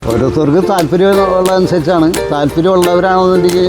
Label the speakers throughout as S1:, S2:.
S1: ഓരോരുത്തർക്ക് താല്പര്യമുള്ളതനുസരിച്ചാണ്. താല്പര്യമുള്ളവരാണെന്നുണ്ടെങ്കിൽ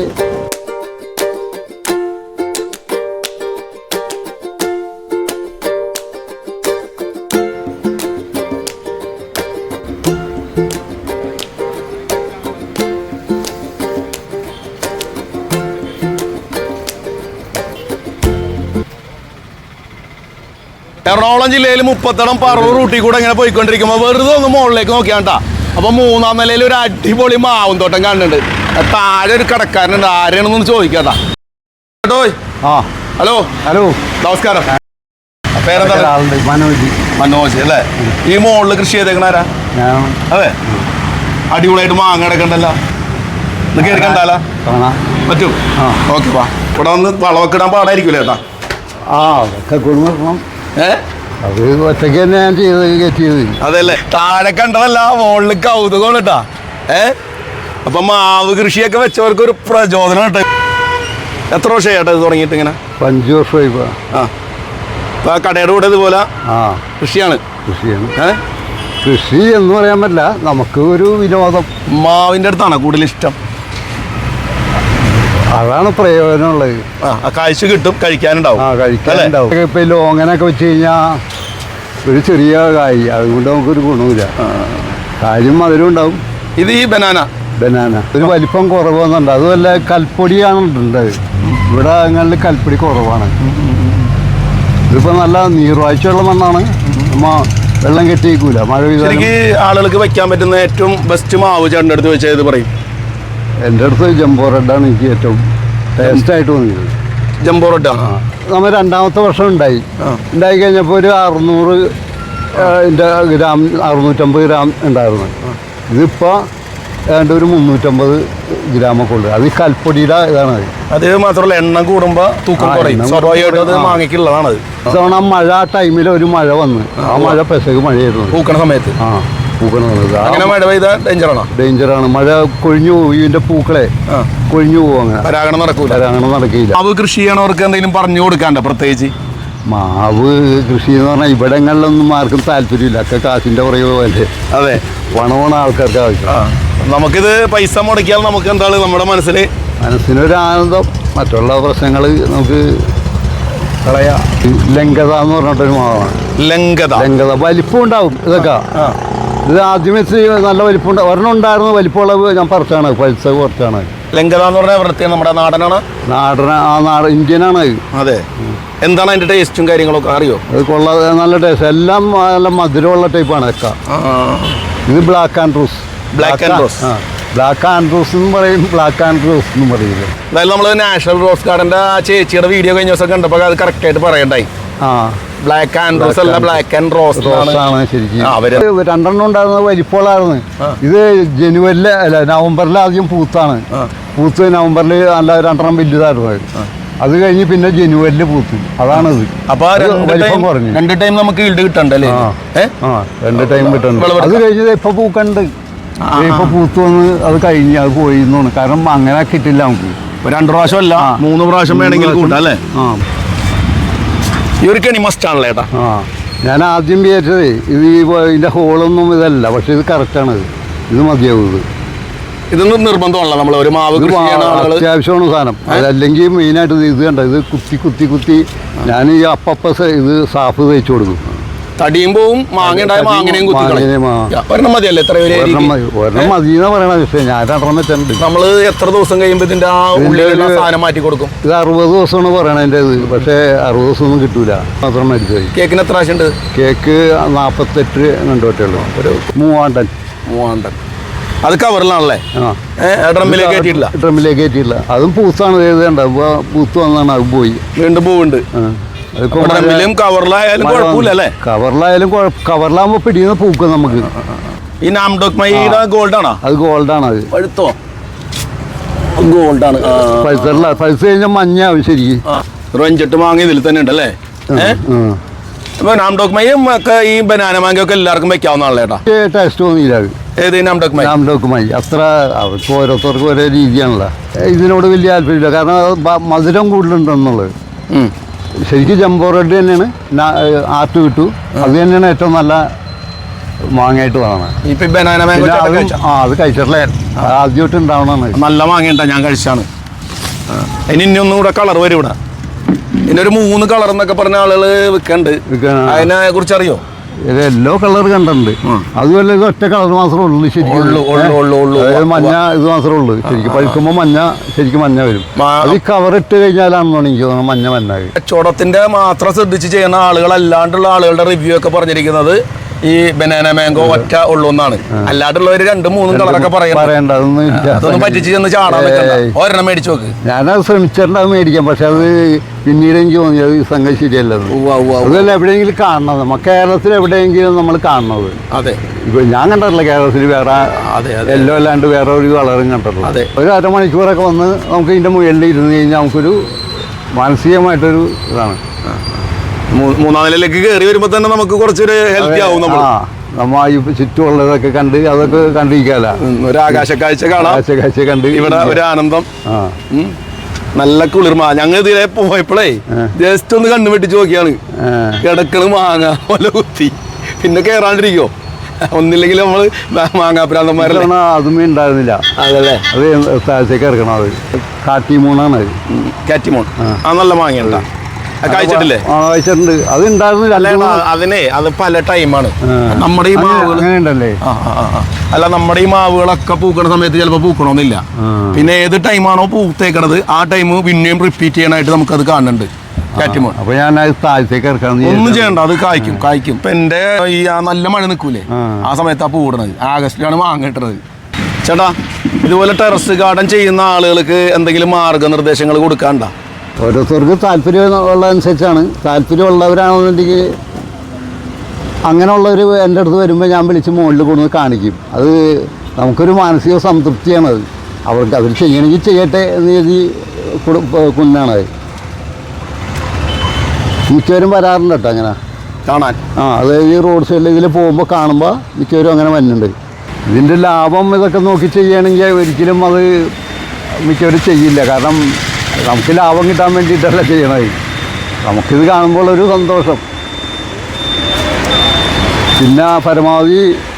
S2: എറണാകുളം ജില്ലയിൽ മുപ്പത്തടം പറവൂർ റൂട്ടിൽ കൂടെ ഇങ്ങനെ പോയിക്കൊണ്ടിരിക്കുമ്പോൾ വെറുതെ ഒന്ന് മുകളിലേക്ക് നോക്കിയാണ്ടാ. അപ്പൊ മൂന്നാം നിലയിൽ ഒരു അടിപൊളി മാവും തോട്ടം കാണുന്നുണ്ട്. താഴെ ഒരു കടക്കാരനുണ്ട്, ആരെയാണെന്നൊന്ന് ചോദിക്കാട്ടാ. ഹലോ
S1: ഹലോ
S2: നമസ്കാരം. പേരെന്താ?
S1: മനോജ്.
S2: മനോജ് അല്ലേ? ഈ മുകളിൽ കൃഷി ചെയ്തേക്കണാരാ? അതെ, അടിപൊളിയായിട്ട് മാങ്ങ കിടക്കണ്ടല്ലോ. ഇത് കയറി കണ്ടാലാ പറ്റും? ഓക്കെ വാ. ഇവിടെ വന്ന് വളമൊക്കെ ഇടാൻ പാടായിരിക്കൂലേ ചേട്ടാ?
S1: അതൊക്കെ കൊടുക്കണം. അത് ഒറ്റയ്ക്ക് തന്നെ ഞാൻ ചെയ്ത്.
S2: അതല്ലേ, താഴെ കണ്ടതല്ല മുകളിൽ കൗതുകം കേട്ടാ. അപ്പൊ മാവ് കൃഷിയൊക്കെ വെച്ചവർക്ക് ഒരു പ്രചോദനം കേട്ടോ. എത്ര വർഷമായി ചേട്ടാ ഇത് തുടങ്ങിയിട്ട് ഇങ്ങനെ?
S1: 5 വർഷമായി.
S2: ഇപ്പൊ കടയുടെ കൂടെ ഇതുപോലെ കൃഷിയാണ്.
S1: കൃഷി എന്ന് പറയാൻ പറ്റില്ല, നമുക്ക് ഒരു വിനോദം.
S2: മാവിന്റെ അടുത്താണ് കൂടുതൽ ഇഷ്ടം.
S1: അതാണ് പ്രയോജനമുള്ളത്.
S2: കാഴ്ച കിട്ടും, കഴിക്കാനുണ്ടാവും.
S1: കഴിക്കാനുണ്ടാവും. ഇപ്പൊ ലോങ്ങനൊക്കെ വെച്ച് കഴിഞ്ഞാൽ ഒരു ചെറിയ കായ്, അതുകൊണ്ട് നമുക്കൊരു ഗുണമില്ല. കാര്യം മധുരം ഉണ്ടാവും.
S2: ഇത് ഈ ബനാന
S1: ഒരു വലിപ്പം കുറവൊന്നുണ്ട്. അതുമല്ല കൽപ്പൊടിയാണ് ഉണ്ടത്. ഇവിടെ അങ്ങനെ കൽപ്പൊടി കുറവാണ്. ഇതിപ്പോ നല്ല നീർവാഴ്ചയുള്ള മണ്ണാണ്. വെള്ളം കെട്ടിയേക്കൂല. മഴ പെയ്താൽ
S2: ആളുകൾക്ക് വെക്കാൻ പറ്റുന്ന ഏറ്റവും ബെസ്റ്റ് മാവ് ചേട്ടൻ്റെ അടുത്ത് വെച്ചാൽ ഇത് പറയും.
S1: എൻ്റെ അടുത്ത് ജംബോ റെഡാണ് എനിക്ക് ഏറ്റവും ടേസ്റ്റായിട്ട് തോന്നിയത്.
S2: ജംബോ റെഡാണ്.
S1: നമ്മൾ 2ാമത്തെ വർഷം ഉണ്ടായി കഴിഞ്ഞപ്പോൾ ഒരു 600 ഗ്രാം 650 ഗ്രാം ഉണ്ടായിരുന്നു. ഇതിപ്പോൾ ഏതാണ്ട് ഒരു 350 ഗ്രാമൊക്കെ ഉള്ളു. അത് ഈ കൽപ്പൊടിയുടെ ഇതാണ്.
S2: അത് മാത്രമല്ല, എണ്ണം കൂടുമ്പോൾ തൂക്കം കുറയും. മാങ്ങയ്ക്കുള്ളതാണ്.
S1: ഇത്തവണ മഴ ടൈമിൽ ഒരു മഴ വന്ന്, ആ മഴ പെസക് മഴയായിരുന്നു
S2: പൂക്കണ സമയത്ത്. അങ്ങനെ മഴ പെയ്താൽ ഡേഞ്ചറാണ്.
S1: മഴ കൊഴിഞ്ഞു പോകും. ഇതിന്റെ പൂക്കളെ കൊഴിഞ്ഞു പോകും. അങ്ങനെ
S2: പരാഗണം നടക്കില്ല. മാവ് കൃഷി ചെയ്യണവർക്ക് എന്തെങ്കിലും പറഞ്ഞു കൊടുക്കാണ്ട? പ്രത്യേകിച്ച്
S1: മാവ് കൃഷി എന്ന് പറഞ്ഞാൽ ഇവിടങ്ങളിലൊന്നും ആർക്കും താല്പര്യമില്ല. ഒക്കെ കാശിന്റെ പുറകെ പോലെ.
S2: അതെ,
S1: പണമാണ് ആൾക്കാർക്ക് ആവശ്യം.
S2: നമുക്കിത് പൈസ മുടക്കിയാൽ നമുക്ക് എന്താണ് നമ്മുടെ മനസ്സിനൊരു ആനന്ദം. മറ്റുള്ള പ്രശ്നങ്ങൾ നമുക്ക് കളയാം. ലങ്കത എന്ന് പറഞ്ഞിട്ടൊരു മാവാണ്. ലങ്കത വലിപ്പം ഉണ്ടാവും. ഇതൊക്കെ ഇത് ആദ്യം വെച്ച് നല്ല വലിപ്പം ഒരെണ്ണം ഉണ്ടായിരുന്നു. വലിപ്പമുള്ള ഞാൻ പറിച്ചാണ്, പഴുത്ത കുറച്ചാണ്. ലങ്കത എന്ന് പറഞ്ഞാൽ നമ്മുടെ നാടനാണ്.
S1: ഇന്ത്യനാണ്.
S2: അതെ. എന്താണ് അതിന്റെ ടേസ്റ്റും കാര്യങ്ങളൊക്കെ അറിയോ?
S1: അത് കൊള്ളാതെ നല്ല ടേസ്റ്റ്. എല്ലാം നല്ല മധുരമുള്ള ടൈപ്പാണ് ഒക്കെ. ഇത് ബ്ലാക്ക് ആൻഡ് റോസ് എന്ന് പറയും. ബ്ലാക്ക് ആൻഡ് റോസ് എന്ന് പറയുന്നത്.
S2: അതായത് നമ്മൾ നാഷണൽ റോസ് ഗാർഡന്റെ ചേച്ചിയുടെ വീഡിയോ കഴിഞ്ഞ ദിവസം കണ്ടപ്പോൾ അത് കറക്റ്റ് ആയിട്ട് പറയണ്ടായി. ബ്ലാക്ക് ആൻഡ് റോസ് അല്ല, ബ്ലാക്ക് ആൻഡ് റോസ്
S1: ആണ് ശരിക്കും. 2 ഉണ്ടായിരുന്നത് വലിപ്പമുള്ളായിരുന്നു. ഇത് ജനുവരിലെ അല്ല നവംബറിൽ ആദ്യം പൂത്താണ്. പൂത്ത് നവംബറിൽ നല്ല 2 വലുതായിരുന്നു. അത് കഴിഞ്ഞ് പിന്നെ ജനുവരിൽ പൂത്തു. അതാണിത്.
S2: അപ്പൊ വലിപ്പം കുറഞ്ഞു. 2 ടൈം നമുക്ക് ഈൽഡ് കിട്ടണ്ടല്ലേ?
S1: 2 ടൈം കിട്ടണ്ട. അത് കഴിഞ്ഞത് ഇപ്പൊ പൂക്കണ്ട്. ഇപ്പൊ പൂത്തു വന്ന് അത് കഴിഞ്ഞ് അത് പോയി എന്നാണ്. കാരണം അങ്ങനെ കിട്ടില്ല നമുക്ക്.
S2: 2 പ്രാവശ്യം അല്ല, 3 പ്രാവശ്യം വേണമെങ്കിൽ കൂട്ടാം അല്ലേ? ഈ ഒരു കെണി മസ്റ്റ് ആണല്ലേ ഏട്ടാ?
S1: ഞാൻ ആദ്യം വിചാരിച്ചത് ഇത് ഇതിന്റെ ഹോളൊന്നും ഇതല്ല, പക്ഷെ ഇത് കറക്റ്റാണ്. ഇത് മതിയാവും.
S2: ഇതൊന്നും നിർബന്ധമല്ല. നമ്മൾ ഒരു മാവ്
S1: അത്യാവശ്യമാണ് സാധനം. അതല്ലെങ്കിൽ മെയിനായിട്ട് ഇത് കണ്ട, ഇത് കുത്തി ഞാൻ ഈ അപ്പ ഇത് സാഫ് തേച്ചു കൊടുക്കും.
S2: തടിയും പോവും, ഒരെണ്ണം മതിയല്ലേ?
S1: ഒരെണ്ണം മതിയെന്നാ പറയണ. പക്ഷേ ഞാൻ 2 വെച്ചിട്ടുണ്ട്.
S2: നമ്മൾ എത്ര ദിവസം കഴിയുമ്പോൾ ഇതിന്റെ ആ ഉള്ളിലുള്ള സാധനം മാറ്റി കൊടുക്കും?
S1: ഇത് 60 ദിവസമാണ് പറയണതിൻ്റെ ഇത്. പക്ഷേ 60 ദിവസമൊന്നും കിട്ടൂല. മാത്രം മേടിച്ചു പോയി.
S2: കേക്കിന് എത്ര ആവശ്യമുണ്ട്?
S1: കേക്ക് 48 കണ്ടുപറ്റുള്ളൂ. ഒരു 3 ടൺ.
S2: അത് കവറിലാണല്ലേ?
S1: ഡ്രമ്മിലേക്ക് കയറ്റിയിട്ടില്ല. അതും പൂത്താണ്. എഴുതേണ്ട പൂത്ത് വന്നാണ് അത് പോയി.
S2: വീണ്ടും പൂവുണ്ട്.
S1: കവറിലാകുമ്പോ പിടിയുന്ന പൂക്കും നമുക്ക്.
S2: ഈ നാംഡോക്മയുടെ ഗോൾഡാണോ?
S1: അത് ഗോൾഡാണ്. അത്
S2: പഴുത്തോ? ഗോൾഡാണ്.
S1: പഴുത്ത് കഴിഞ്ഞാൽ മഞ്ഞാവും ശരിക്കും.
S2: 5-8 മാങ്ങ ഇതിൽ തന്നെ ഉണ്ടല്ലേ? അപ്പൊ നാംഡോക്മയും ഒക്കെ ഈ ബനാന മാങ്ങയൊക്കെ എല്ലാവർക്കും വെക്കാവുന്നതാണല്ലേ ഏട്ടാ?
S1: ടേസ്റ്റ് തോന്നിയില്ല.
S2: ഏത്
S1: നാംഡോക്മായി അത്ര അവർക്ക് ഓരോരുത്തർക്കും ഓരോ രീതിയാണല്ലോ. ഇതിനോട് വലിയ താല്പര്യമില്ല. കാരണം മധുരം കൂടുതലുണ്ടെന്നുള്ളത്. ശരിക്കും ജംബോ റെഡ് തന്നെയാണ്. ആർട്ട് കിട്ടു. അത് തന്നെയാണ് ഏറ്റവും നല്ല മാങ്ങയായിട്ട് വേണം.
S2: ഇപ്പൊ ബനാന മാംഗോ
S1: അത് കഴിച്ചിട്ടില്ല, ആദ്യമായിട്ട് ഉണ്ടാവണമെന്ന്.
S2: നല്ല മാങ്ങയുണ്ട, ഞാൻ കഴിച്ചാണ്. ഇനി ഒന്നും കൂടെ കളർ വരും ഇവിടെ. ഇനി ഒരു 3 കളർ എന്നൊക്കെ പറഞ്ഞ ആളുകൾ വിൽക്കണ്ട്. അതിനെ കുറിച്ച് അറിയോ?
S1: ഇത് യെല്ലോ കളർ കണ്ടിട്ടുണ്ട്. അതുപോലെ ഇത് ഒറ്റ കളർ മാത്രമേ ഉള്ളൂ ശരിക്കും. മഞ്ഞ ഇത് മാത്രമേ ഉള്ളൂ ശരിക്കും. പഴുക്കുമ്പോൾ മഞ്ഞ, ശരിക്കും മഞ്ഞ വരും. അത് കവർ ഇട്ട് കഴിഞ്ഞാലാണെന്നാണ് എനിക്ക് തോന്നുന്നത് മഞ്ഞ മഞ്ഞ.
S2: കച്ചവടത്തിന്റെ മാത്രം ശ്രദ്ധിച്ച് ചെയ്യുന്ന ആളുകൾ അല്ലാണ്ടുള്ള ആളുകളുടെ റിവ്യൂ ഒക്കെ പറഞ്ഞിരിക്കുന്നത് ഈ ബനാന മാംഗോ ഒറ്റ ഉള്ളൂ എന്നാണ്. അല്ലാണ്ടുള്ളവര് 2-3 കളറൊക്കെ പറയണ്ട. അതൊന്നും പറ്റിച്ച് ചെന്ന് ചാടാൻ പറ്റില്ല. ഒരെണ്ണം മേടിച്ചു നോക്ക്.
S1: ഞാനത് ശ്രമിച്ചിട്ടുണ്ട് അത് മേടിക്കാം, പക്ഷെ അത് പിന്നീട് എനിക്ക് തോന്നിയത് ഈ സംഗതി ശരിയല്ലത്. അതല്ല എവിടെയെങ്കിലും കാണണം, നമുക്ക് കേരളത്തിൽ എവിടെയെങ്കിലും നമ്മൾ കാണുന്നത്.
S2: അതെ,
S1: ഇപ്പൊ ഞാൻ കണ്ടിട്ടില്ല കേരളത്തിൽ വേറെ എല്ലോ അല്ലാണ്ട് വേറെ ഒരു കളറും കണ്ടിട്ടില്ല. ഒരു അരമണിക്കൂറൊക്കെ വന്ന് നമുക്ക് ഇതിന്റെ മുകളിൽ ഇരുന്ന് കഴിഞ്ഞാൽ നമുക്കൊരു മാനസികമായിട്ടൊരു ഇതാണ്.
S2: 3-ാം നിലയിലേക്ക് കയറി വരുമ്പോ തന്നെ നമുക്ക് കുറച്ചൊരു ഹെൽത്തി ആവും.
S1: നമ്മ ഈ ചുറ്റുമുള്ളതൊക്കെ കണ്ട് അതൊക്കെ കണ്ടിരിക്കാല,
S2: ഒരു ആകാശക്കാഴ്ച കാണാം.
S1: ആകാശക്കാഴ്ച കണ്ട്
S2: ഇവിടെ ഒരു ആനന്ദം, നല്ല കുളിർമ. ഞങ്ങൾ ഇതിലെ പോയപ്പോഴേ ജസ്റ്റ് ഒന്ന് കണ്ണു വെട്ടിച്ച് നോക്കിയാണ്. കിടക്കള് മാങ്ങ പോലെ കുത്തി, പിന്നെ കേറാണ്ടിരിക്കോ? ഒന്നില്ലെങ്കിൽ നമ്മള് മാങ്ങാപ്രാന്തന്മാരല്ല.
S1: അതുമേ ഉണ്ടായിരുന്നില്ല.
S2: അതല്ലേ, അത്
S1: താഴത്തേക്ക് ഇറക്കണം. അത് കാറ്റിമൂണാണ്.
S2: കാറ്റിമൂൺ നല്ല മാങ്ങയുണ്ട. കഴിച്ചിട്ടില്ലേ?
S1: കഴിച്ചിട്ടുണ്ട്. അത് ഉണ്ടായിരുന്നില്ല.
S2: അത് പല ടൈമാണ്. നമ്മുടെ ഈ മാവുകൾ
S1: അങ്ങനെയുണ്ടല്ലേ?
S2: അല്ല, നമ്മുടെ ഈ മാവുകളൊക്കെ പൂക്കണ സമയത്ത് ചിലപ്പോ പൂക്കണമെന്നില്ല. പിന്നെ ഏത് ടൈമാണോ പൂത്തേക്കണത് ആ ടൈം പിന്നെയും റിപ്പീറ്റ് ചെയ്യാനായിട്ട് നമുക്കത് കാണുന്നുണ്ട്. കാറ്റിമോൺ.
S1: അപ്പൊ ഞാൻ താഴത്തേക്ക് ഇറക്കണം.
S2: ഒന്നും ചെയ്യണ്ട, അത് കായ്ക്കും. ഇപ്പൊ എന്റെ ഈ നല്ല മഴ നിൽക്കൂലേ, ആ സമയത്ത് ആ പൂടണത്. ആഗസ്റ്റിലാണ് മാങ്ങ കിട്ടണത്. ചേട്ടാ, ഇതുപോലെ ടെറസ് ഗാർഡൻ ചെയ്യുന്ന ആളുകൾക്ക് എന്തെങ്കിലും മാർഗനിർദ്ദേശങ്ങൾ കൊടുക്കാണ്ട?
S1: ഓരോരുത്തർക്ക് താല്പര്യമുള്ളതനുസരിച്ചാണ്. താല്പര്യമുള്ളവരാണെന്നുണ്ടെങ്കിൽ അങ്ങനെയുള്ളവർ എൻ്റെ അടുത്ത് വരുമ്പോൾ ഞാൻ വിളിച്ച് മുകളിൽ കൊണ്ടുവന്ന് കാണിക്കും. അത് നമുക്കൊരു മാനസിക സംതൃപ്തിയാണത്. അവർക്ക് അവർ ചെയ്യണമെങ്കിൽ ചെയ്യട്ടെ എന്ന് കരുതി കൊണ്ടാണത്. മിക്കവരും വരാറുണ്ട് കേട്ടോ അങ്ങനെ
S2: കാണാൻ.
S1: അതായത് ഈ റോഡ് സൈഡിൽ ഇതിൽ പോകുമ്പോൾ കാണുമ്പോൾ മിക്കവരും അങ്ങനെ വരുന്നുണ്ട്. ഇതിൻ്റെ ലാഭം ഇതൊക്കെ നോക്കി ചെയ്യുകയാണെങ്കിൽ ഒരിക്കലും അത് മിക്കവരും ചെയ്യില്ല. കാരണം നമുക്ക് ലാഭം കിട്ടാൻ വേണ്ടിയിട്ടല്ല ചെയ്യണത്. നമുക്കിത് കാണുമ്പോൾ ഒരു സന്തോഷം. പിന്നെ പരമാവധി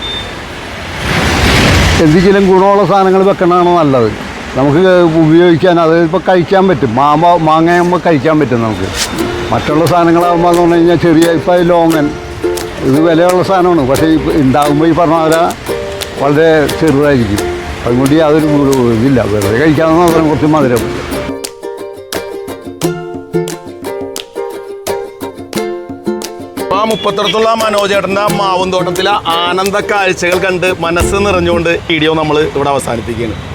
S1: എന്തെങ്കിലും ഗുണമുള്ള സാധനങ്ങൾ വെക്കണതാണ് നല്ലത്. നമുക്ക് ഉപയോഗിക്കാൻ, അത് ഇപ്പോൾ കഴിക്കാൻ പറ്റും. മാങ്ങയാകുമ്പോൾ കഴിക്കാൻ പറ്റും നമുക്ക്. മറ്റുള്ള സാധനങ്ങളാകുമ്പോൾ എന്ന് പറഞ്ഞു കഴിഞ്ഞാൽ ചെറിയ, ഇപ്പോൾ ലോങ്ങൻ ഇത് വിലയുള്ള സാധനമാണ്. പക്ഷേ ഉണ്ടാകുമ്പോൾ ഈ പറഞ്ഞ പോലെ വളരെ ചെറുതായിരിക്കും. അതുകൊണ്ട് യാതൊരു ഇതില്ല. വെറുതെ കഴിക്കാമെന്ന് മാത്രം കുറച്ച് മധുരം.
S2: മുപ്പത്തിടത്തുള്ള മനോജേട്ടൻ്റെ മാവും തോട്ടത്തിലെ ആനന്ദ കാഴ്ചകൾ കണ്ട് മനസ്സ് നിറഞ്ഞുകൊണ്ട് വീഡിയോ നമ്മൾ ഇവിടെ അവസാനിപ്പിക്കുകയാണ്.